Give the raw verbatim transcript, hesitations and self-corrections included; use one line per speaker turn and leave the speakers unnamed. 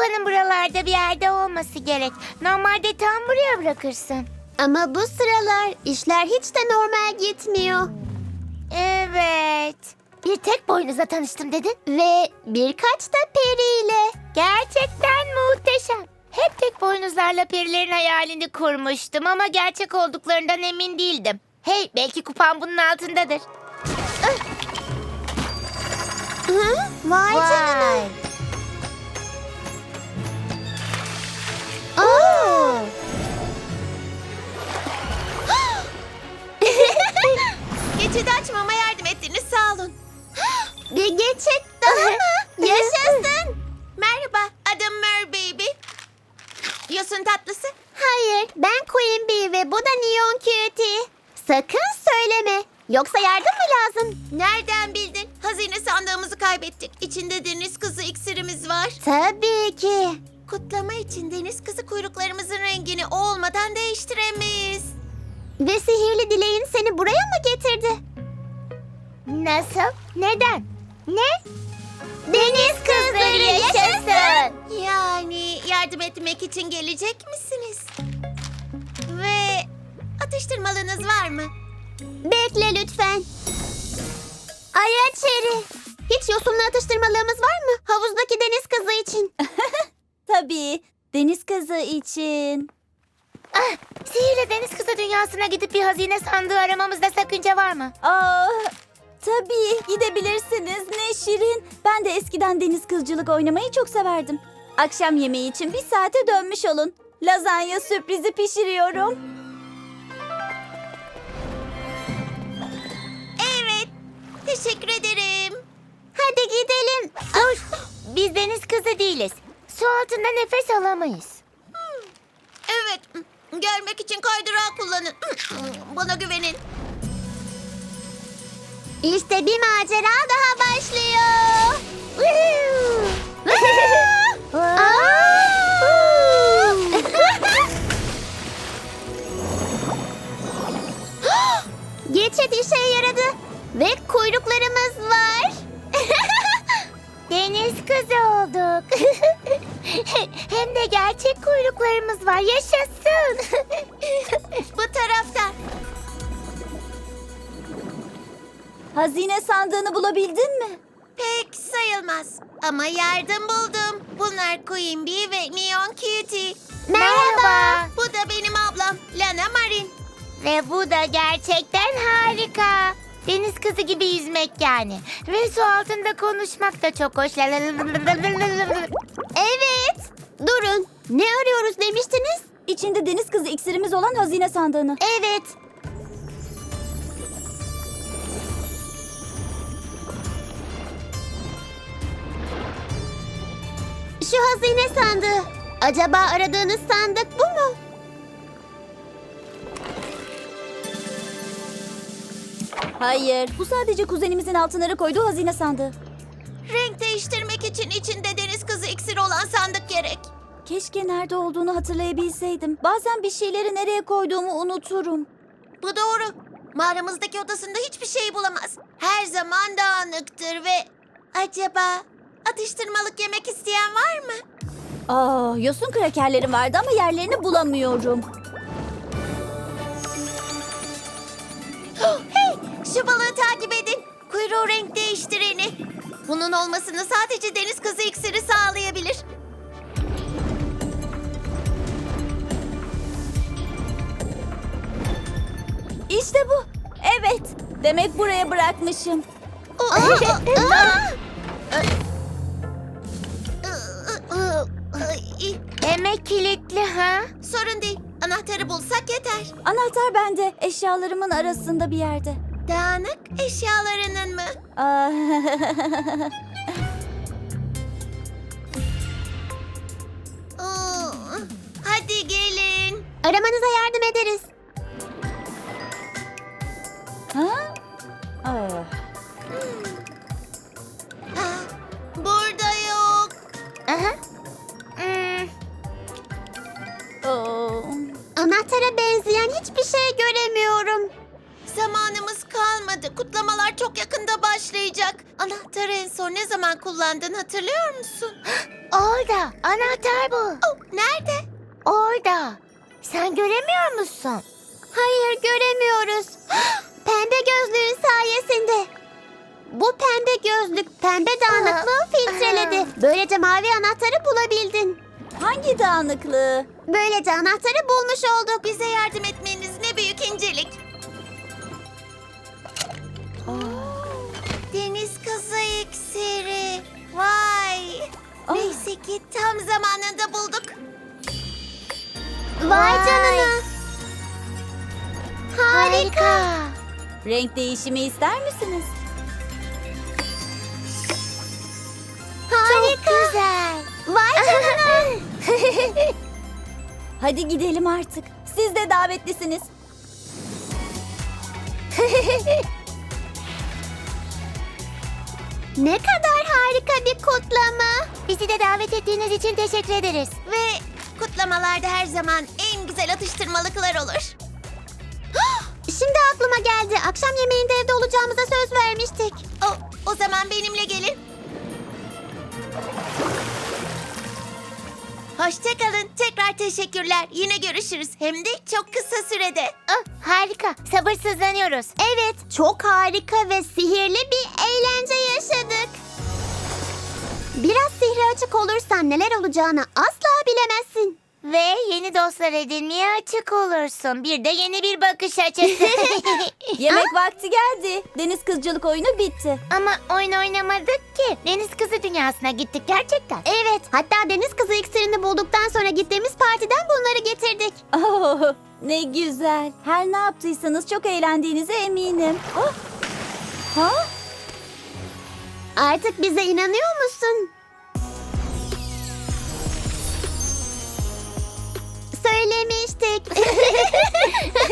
kupanın buralarda bir yerde olması gerek. Normalde tam buraya bırakırsın.
Ama bu sıralar işler hiç de normal gitmiyor.
Evet. Bir tek boynuzla tanıştım dedin.
Ve birkaç da periyle.
Gerçekten muhteşem. Hep tek boynuzlarla perilerin hayalini kurmuştum ama gerçek olduklarından emin değildim. Hey, belki kupan bunun altındadır.
Hı? Vay, canına. Oo.
Geçidi açmama yardım ettiniz, sağ olun.
Bir geçit daha mı? Yaşasın.
Merhaba, adım Mer Baby. Yosun tatlısı.
Hayır, ben Queen Bee ve bu da Neon Cutie. Sakın söyleme. Yoksa yardım mı lazım?
Nereden bildin? Hazine sandığımızı kaybettik. İçinde deniz kızı iksirimiz var.
Tabii ki.
Kutlama için deniz kızı kuyruklarımızın rengini o olmadan değiştiremeyiz.
Ve sihirli dileğin seni buraya mı getirdi?
Nasıl? Neden? Ne?
Deniz kızları yaşasın.
Yani yardım etmek için gelecek misiniz? Ve atıştırmalınız var mı?
Bekle lütfen. Ayaçeri. Hiç yosunlu atıştırmalığımız var mı? Havuzdaki deniz kızı için.
Tabii. Deniz kızı için.
Ah, sihirli deniz kızı dünyasına gidip bir hazine sandığı aramamızda sakınca var mı?
Aa, tabii gidebilirsiniz. Ne şirin. Ben de eskiden deniz kızcılık oynamayı çok severdim. Akşam yemeği için bir saate dönmüş olun. Lazanya sürprizi pişiriyorum.
Evet, teşekkür ederim.
Hadi gidelim.
Dur, biz deniz kızı değiliz. Su altında nefes alamayız.
Evet, gelmek için kaydırağı kullanın. Bana güvenin.
İşte bir macera daha başlıyor. Geçit işe yaradı. Ve kuyruklarımız var.
Deniz kızı olduk. Hem de gerçek kuyruklarımız var. Yaşasın.
Bu taraftan.
Hazine sandığını bulabildin mi?
Pek sayılmaz. Ama yardım buldum. Bunlar Queen Bee ve Neon Cutie.
Merhaba.
Bu da benim ablam Lana Marin.
Ve bu da gerçekten harika. Deniz kızı gibi yüzmek yani. Ve su altında konuşmak da çok hoş.
Evet. Durun. Ne arıyoruz demiştiniz?
İçinde deniz kızı iksirimiz olan hazine sandığını.
Evet. Şu hazine sandığı. Acaba aradığınız sandık bu mu?
Hayır. Bu sadece kuzenimizin altınları koyduğu hazine sandığı.
Renk değiştirmek için içinde deniz kızı iksiri olan sandık gerek.
Keşke nerede olduğunu hatırlayabilseydim. Bazen bir şeyleri nereye koyduğumu unuturum.
Bu doğru. Mağaramızdaki odasında hiçbir şey bulamaz. Her zaman dağınıktır ve... Acaba atıştırmalık yemek isteyen var mı?
Aa, yosun krakerlerim vardı ama yerlerini bulamıyorum.
Hey, şu balığı takip edin. Kuyruğu renk değiştireni. Bunun olmasını sadece deniz kızı iksiri sağlayabilir.
İşte bu. Evet. Demek buraya bırakmışım.
Demek kilitli ha?
Sorun değil. Anahtarı bulsak yeter.
Anahtar bende. Eşyalarımın arasında bir yerde.
Dağınık eşyalarının mı?
Aa,
Oo, hadi gelin.
Aramanıza yardım ederiz.
ha? Aa.
Ah, burada yok.
Aha. Hmm,
Oo.
Anahtara benzeyen hiçbir şey göremiyorum.
Zamanımız kalmadı. olmadı. Kutlamalar çok yakında başlayacak. Anahtarı en son ne zaman kullandın hatırlıyor musun?
Orada. Anahtar bu.
Oh, nerede?
Orada. Sen göremiyor musun?
Hayır, göremiyoruz. Pembe gözlüğün sayesinde. Bu pembe gözlük pembe dağınıklığı filtreledi. Böylece mavi anahtarı bulabildin.
Hangi dağınıklığı?
Böylece anahtarı bulmuş olduk.
Bize yardım etmeniz ne büyük incelik. Deniz kızı iksiri. Vay.
Ah.
Neyse ki tam zamanında bulduk.
Vay canına. Harika.
Renk değişimi ister misiniz?
Harika.
Güzel.
Vay canına.
Hadi gidelim artık. Siz de davetlisiniz.
Ne kadar harika bir kutlama.
Bizi de davet ettiğiniz için teşekkür ederiz.
Ve kutlamalarda her zaman en güzel atıştırmalıklar olur.
Şimdi aklıma geldi. Akşam yemeğinde evde olacağımıza söz vermiştik.
O, o zaman benimle gelin. Hoşçakalın. Tekrar teşekkürler. Yine görüşürüz. Hem de çok kısa sürede.
Ah, harika. Sabırsızlanıyoruz.
Evet, çok harika ve sihirli bir eğlence yaşadık. Biraz sihre açık olursan neler olacağını asla bilemezsin.
Ve yeni dostlar edinmeye açık olursun. Bir de yeni bir bakış açısı.
Yemek vakti geldi. Deniz kızcılık oyunu bitti.
Ama oyun oynamadık ki. Deniz kızı dünyasına gittik gerçekten.
Evet, hatta deniz kızı iksirini bulduktan sonra gittiğimiz partiden bunları getirdik.
Oh, ne güzel. Her ne yaptıysanız çok eğlendiğinize eminim. Oh. Ha?
Artık bize inanıyor musun? Söylemiştik.